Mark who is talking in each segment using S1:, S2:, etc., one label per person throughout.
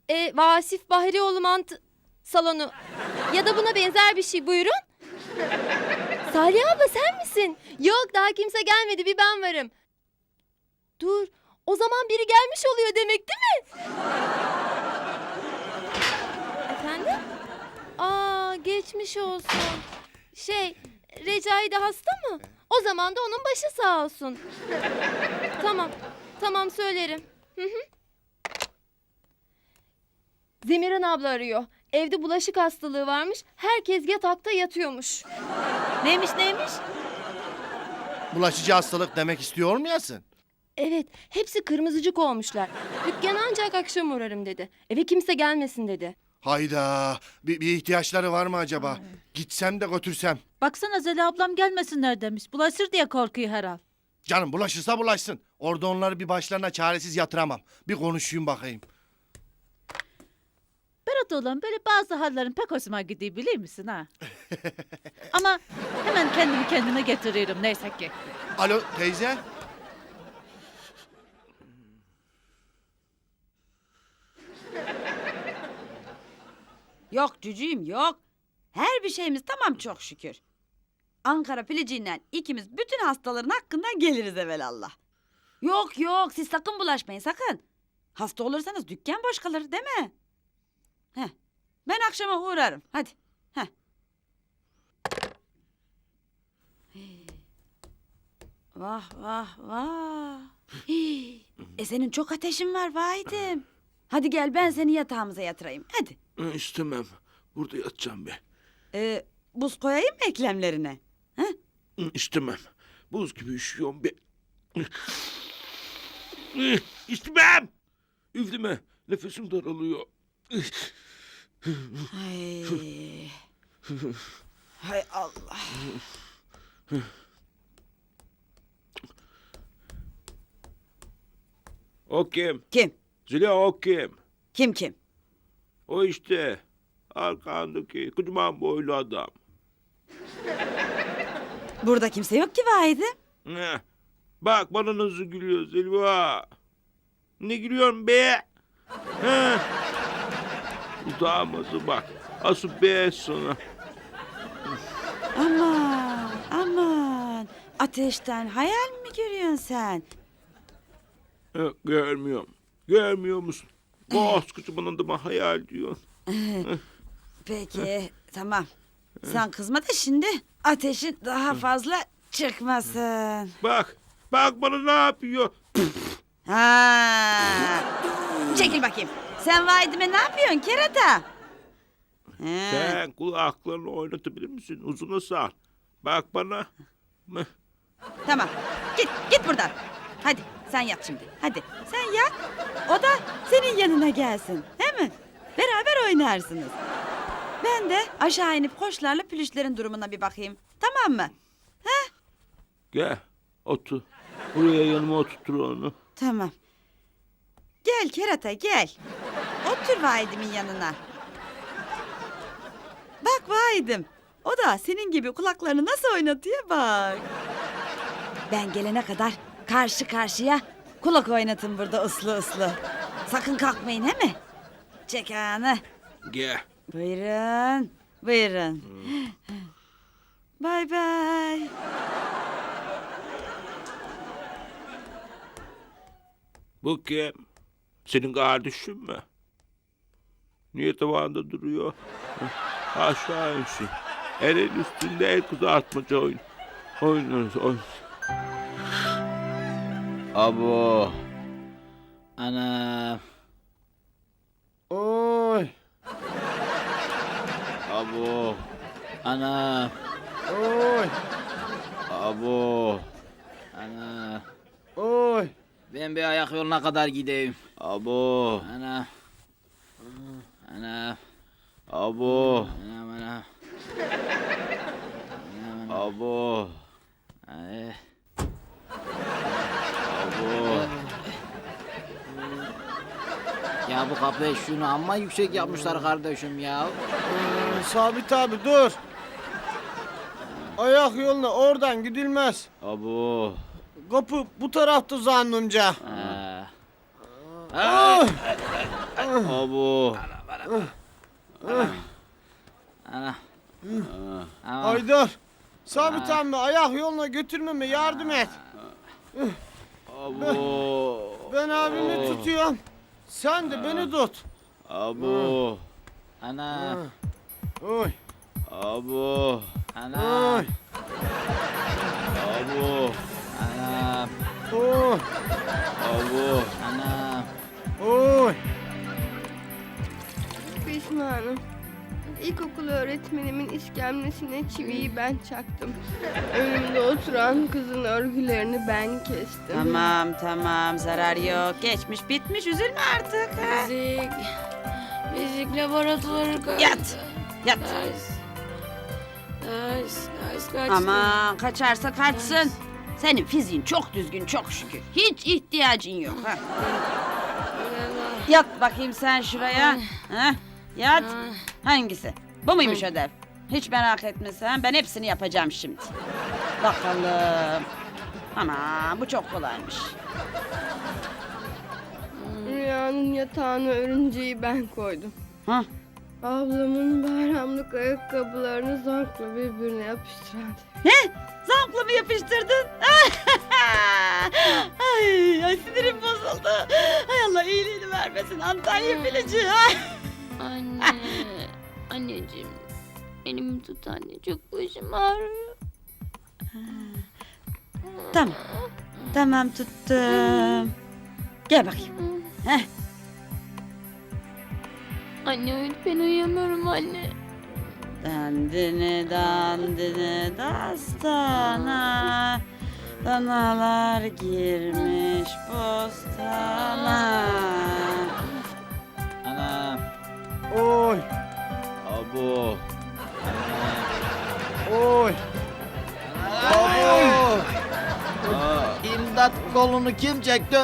S1: Vasif Bahrioğlu salonu. Ya da buna benzer bir şey, buyurun. Salih abla sen misin? Yok, daha kimse gelmedi, bir ben varım. Dur, o zaman biri gelmiş oluyor demek değil mi? Efendim? Geçmiş olsun. Recai de hasta mı? O zaman da onun başı sağ olsun. Tamam söylerim. Zemiran abla arıyor. Evde bulaşık hastalığı varmış. Herkes yatakta yatıyormuş.
S2: Neymiş?
S3: Bulaşıcı hastalık demek istiyor muyasın?
S1: Evet, hepsi kırmızıcık olmuşlar. Dükkana ancak akşam uğrarım dedi. Eve kimse gelmesin dedi.
S3: Hayda. Bir ihtiyaçları var mı acaba? Gitsem de götürsem.
S2: Baksana Zeli ablam gelmesinler demiş. Bulaşır diye korkuyor herhal.
S3: Canım bulaşırsa bulaşsın. Orada onları bir başlarına çaresiz yatıramam. Bir konuşayım bakayım.
S2: Berat oğlum böyle bazı hallerin pek hoşuma gidiyor biliyor musun ha? Ama hemen kendimi kendime getiriyorum neyse ki.
S3: Alo teyze.
S4: Yok cücüğüm yok. Her bir şeyimiz tamam çok şükür. Ankara piliciyle ikimiz bütün hastaların hakkından geliriz evelallah. Yok siz sakın bulaşmayın sakın. Hasta olursanız dükkan boş kalır değil mi? Ben akşama uğrarım hadi. Vah. Senin çok ateşin var vahidim. Hadi gel ben seni yatağımıza yatırayım hadi.
S5: İstemem. Burada yatacağım be.
S4: Buz koyayım mı eklemlerine?
S5: İstemem. Buz gibi üşüyorum be. İstemem. Üfleme. Nefesim daralıyor.
S4: Hay Allah.
S5: O kim?
S4: Kim?
S5: Zeliha o kim?
S4: Kim?
S5: O işte. Arkandaki kocaman boylu adam.
S4: Burada kimse yok ki vahidim.
S5: Bak bana nasıl gülüyor Zeliha. Ne gülüyorsun be? Utanması bak. Asıl be sana.
S4: Aman. Ateşten hayal mi görüyorsun sen?
S5: Görmüyorum. Görmüyor musun? Koskocaman adama hayal diyorsun.
S4: Peki tamam. Sen kızma da şimdi ateşin daha fazla çıkmasın.
S5: Bak bana ne yapıyor?
S4: Çekil bakayım. Sen vahidime ne yapıyorsun kerata?
S5: Sen kulaklarını oynatabilir misin? Uzuna sar. Bak bana.
S4: Tamam. Git buradan. Hadi sen yat şimdi. Hadi sen yat. O da senin yanına gelsin. He mi? Beraber oynarsınız. Ben de aşağı inip koçlarla pülüşlerin durumuna bir bakayım. Tamam mı?
S5: Gel otur. Buraya yanıma oturtur onu.
S4: Tamam. Gel kerata gel. Otur vahidimin yanına. Bak vahidim. O da senin gibi kulaklarını nasıl oynatıyor bak. Ben gelene kadar karşı karşıya kulak oynatın burada uslu. Sakın kalkmayın he mi? Çek ağını.
S5: Gel.
S4: Buyurun. Bay bay.
S5: Bu kim? Senin kardeşin mi? Niye tavanda duruyor? Aşağı insin. Elin üstünde el kızartmaca oynarız.
S6: Abo. Ana.
S3: Oy.
S6: Abo. Ana.
S3: Oy.
S6: Abo. Ana.
S3: Oy.
S6: Ben bir ayak yoluna kadar gideyim. Abo. Ana. Ana. Abo. Ana. Abo. Ay. Abo. Ya bu kapıyı şunu amma yüksek yapmışlar kardeşim ya.
S7: Sabit abi dur. Ayak yoluna oradan gidilmez.
S6: Abo.
S7: Kapı bu tarafta zannımca.
S6: Ay.
S5: Abo.
S6: Ana. Ana.
S7: Haydar. Sabit emmi ayak yoluna götürmeme yardım et.
S5: Abo.
S7: Ben abimi tutuyorum. Sen de beni tut.
S5: Abo.
S6: Ana.
S7: Oy.
S5: Abo.
S6: Ana.
S7: Oy.
S5: Abo.
S6: Ana.
S7: Oy.
S5: Abo.
S6: Ana.
S7: Oy.
S8: Pişmanım. İlkokul öğretmenimin iskemlesine çiviyi ben çaktım. Önümde oturan kızın örgülerini ben kestim.
S4: Tamam zarar yok. Geçmiş bitmiş üzülme artık. Ha?
S8: Fizik laboratuvarı kaçtı.
S4: Yat.
S8: Ders kaçtı.
S4: Aman kaçarsa kaçsın. Senin fiziğin çok düzgün çok şükür. Hiç ihtiyacın yok. Ha? Yat bakayım sen şuraya. Ha? Yat. Hangisi? Bu muymuş ödev? Hiç merak etme sen. Ben hepsini yapacağım şimdi. Bakalım. Aman bu çok kolaymış.
S8: Rüyanın yatağına örümceği ben koydum.
S4: Ha?
S8: Ablamın bayramlık ayakkabılarını zorla birbirine yapıştırdı.
S4: Zavkla mı yapıştırdın? ay sinirim bozuldu. Hay Allah iyiliğini vermesin Antalya Filici.
S1: Anne. Anneciğim. Elimi tut anne. Çok başım ağrıyor.
S4: Tamam tuttum. Gel bakayım. Heh.
S1: Anne ben uyuyamıyorum anne.
S4: Dandini dastana. Danalar girmiş bostana.
S6: Ana.
S7: Oy.
S5: Abo.
S7: Oy. Abo.
S6: İmdat kolunu kim çekti?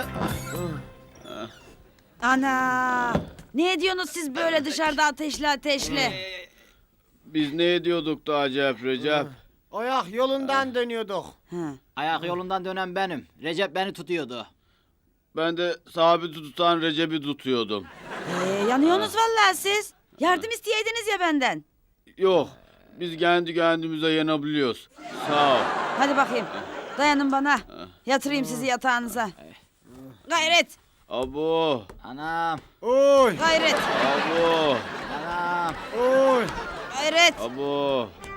S4: Ana! Ne ediyorsunuz siz böyle dışarıda ateşli?
S5: Biz ne ediyorduk da acayip Recep?
S7: Ayak yolundan dönüyorduk.
S4: Ha.
S6: Ayak yolundan dönen benim. Recep beni tutuyordu.
S5: Ben de sabit tutan Recep'i tutuyordum.
S4: Yanıyorsunuz vallahi siz. Yardım isteyeydiniz ya benden.
S5: Yok. Biz kendi kendimize yenebiliyoruz. Sağ ol.
S4: Hadi bakayım. Dayanın bana. Yatırayım sizi yatağınıza. Gayret.
S5: Abo.
S6: Anam.
S7: Oy.
S4: Gayret.
S5: Abo.
S6: Anam.
S7: Oy.
S4: Gayret.
S5: Abo.